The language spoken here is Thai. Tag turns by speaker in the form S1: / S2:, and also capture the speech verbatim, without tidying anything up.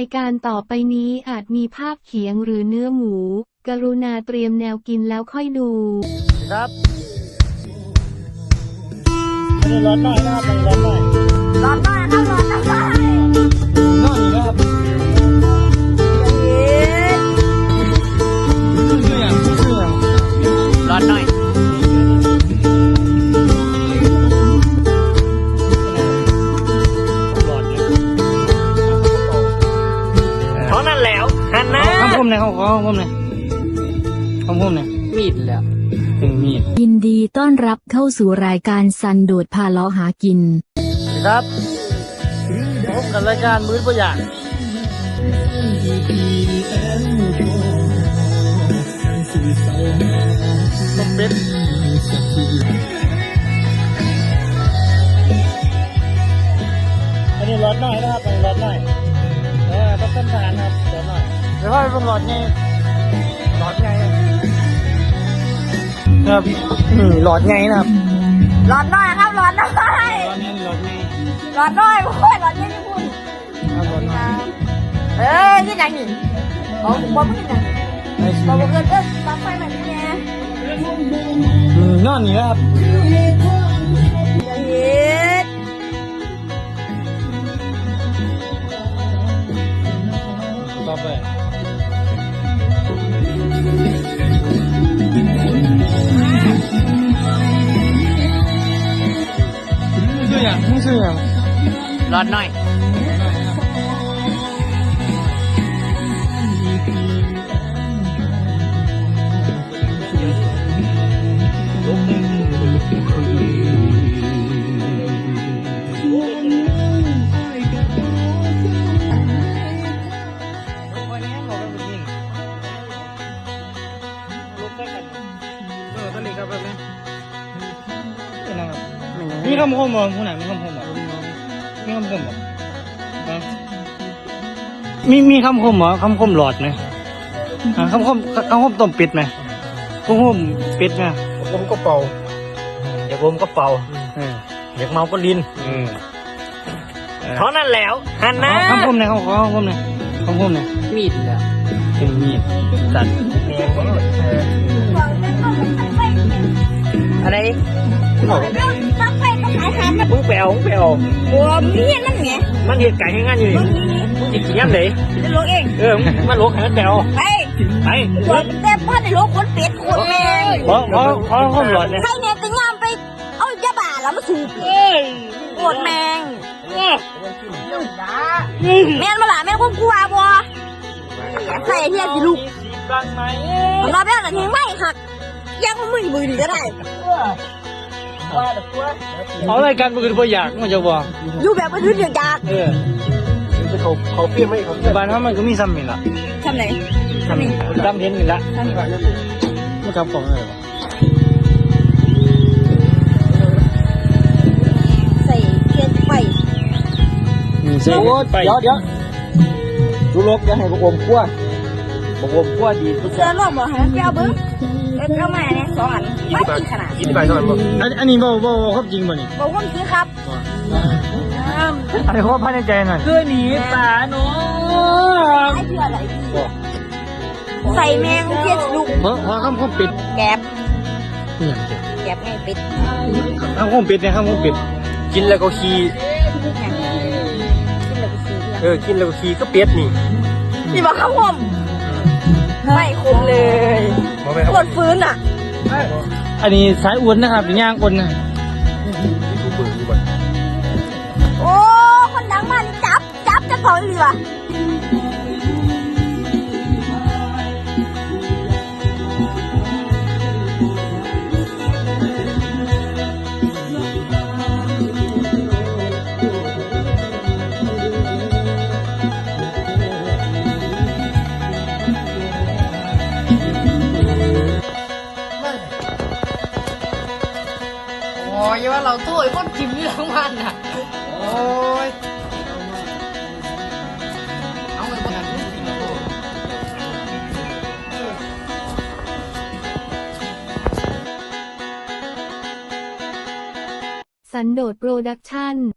S1: ายการต่อไปนี้อาจมีภาพเขียงหรือเนื้อหมู กรุณาเตรียมแนวกินแล้วค่อยดู
S2: ครับอันนี้ร้อนหน่อยนะครับร้อนหน่อย
S3: ร้อนหน่อยครับร้อนหน่อย
S2: นอนอยู่นะครับชื่ออย่างชื่ออย่างร้อนหน่อยเขานั่นแล้วฮันนะข้าวพุ่มเนี่ยเขาข้าวพุ่มเนี่ยข้าวพุ่มเนี่ยมีดแล้วเป็นมีด
S4: ยินดีต้อนรับเข้าสู่รายการซันโดดพาเลาะหากิน
S2: ครับพบกับรายการมื้อตัวอย่างต้มเป็ดอันนี้ร้อนหน่อยนะครับอันนี้ร้อนหน่อยเออต้องต้นทานครับร้อนหน่อยเดี๋ยวว่าเป็นร้อนไงร้อนไงครับอืมร้อนไงนะครับ
S3: ร้อนหน่อยครับร้อนหน่อยร้อนไงร้อนหน่อยโอ้ยร้อนไงนี่พูดเอ้ยนี่ไหนนี่บอกผมว่าไม่ไหนบอกผมเกินเอ้ยตั้งไฟแบบนี้ไง
S2: อืมนอนนี่ครับ
S3: เย็ด
S2: ต่อไปชื่ออย่างมึงชื่ออย่างร้อนหน่อยมีคำคมบ่ผู้ไหนมีคำคมบ่มีคำคมบ่มีมีคำคมบ่คำคมหลอดไหมคำคมคำคมต้มเป็ดไหมคำคมเป็ดไหมผมก็เป่าอยากผมก็เป่าอยากเมาก็ลินเท่านั้นแล้วฮันนะคำคมเนี่ยคำคมเนี่ยคำคมเนี่ยมีดแล้วเป็นมีดตัดอะไร
S3: ตั้งไฟก็ขายทานนะ
S2: มึงไปเอามึงไปเอา
S3: บัวมีเงี้ยนั่นไง
S2: มันเหตุการณ์ง่ายๆอยู่มึงจะกินยังไง
S3: จะลวกเอง
S2: เออมาลวกให้มันไปเอา
S3: ไป
S2: ไป
S3: ตัวเต็มพ่อในลวกคนเป็ดคนแมง
S2: เพราะเพราะเพราะข้อมหลอดเนี่ย
S3: ใครเนี่ยจะงามไปเอายาบ้าแล้วมาสูบโกดแมงแม่นมาหล่ะแม่นคงกลัวบัวใส่เฮียสิลูกรอแป๊บหนึ่งทิ้งไม่หักยังมือมือดีก็ได้
S2: เอาอะไรกันมันคือตัวอย่างมันจะบอก
S3: อยู่แบบมันยืดอย่างยาก
S2: เออเขาเขาเปรี้ยวไม่เขาบ้านเขามันก็มีซ้ำนี่ละ
S3: ซ้ำไหน
S2: ซ้ำนี่ซ้ำเห็นนี่ละมันทำของอะไรวะ
S3: ใส่เทียนไฟ
S2: ใส่ไฟเดี๋ยวเดี๋ยวดูลบจะให้บวมขั้วบวมขั้วดี
S3: เสื้อร่วมบ่ฮะเจ้าเบิ้งเอามาเนี่ยสองอันไม่กินขนาด
S2: กินไปเท่าไหร่บ่อันอันนี้บ่บ่บ่ครับจริงบ่นี่
S3: บ่คนจริงครับ
S2: อันนี้เขาภายในใจหน่อยคือหนีตาเนาะ
S3: ไอ้เพื่ออะไรใส่แมงเทียนลูก
S2: เพราะเพราะข้าวข้าวปิด
S3: แกบแกบไงปิด
S2: ข้าวข้าวปิดเนี่ยข้าวข้าวปิดกินแล้วก็ขี้เออกินแล้วก็ขี้ก็เป็ดนี่
S3: นี่บอกข้าวหอมไม่คุ้มเลยปวดฟื้นอ่ะ
S2: อันนี้สายอ้วนนะครับย่างอ้วนนะ
S3: โอ้คนดังมันจับจับจะถอยเรือ
S5: โอ้ยว่าเราตู้ไอ้คนกินนี่ทั้งวันน่ะโอ้ยเอาไปคนนั้นกินแล้ว
S1: สันโดษโปรดักชั่น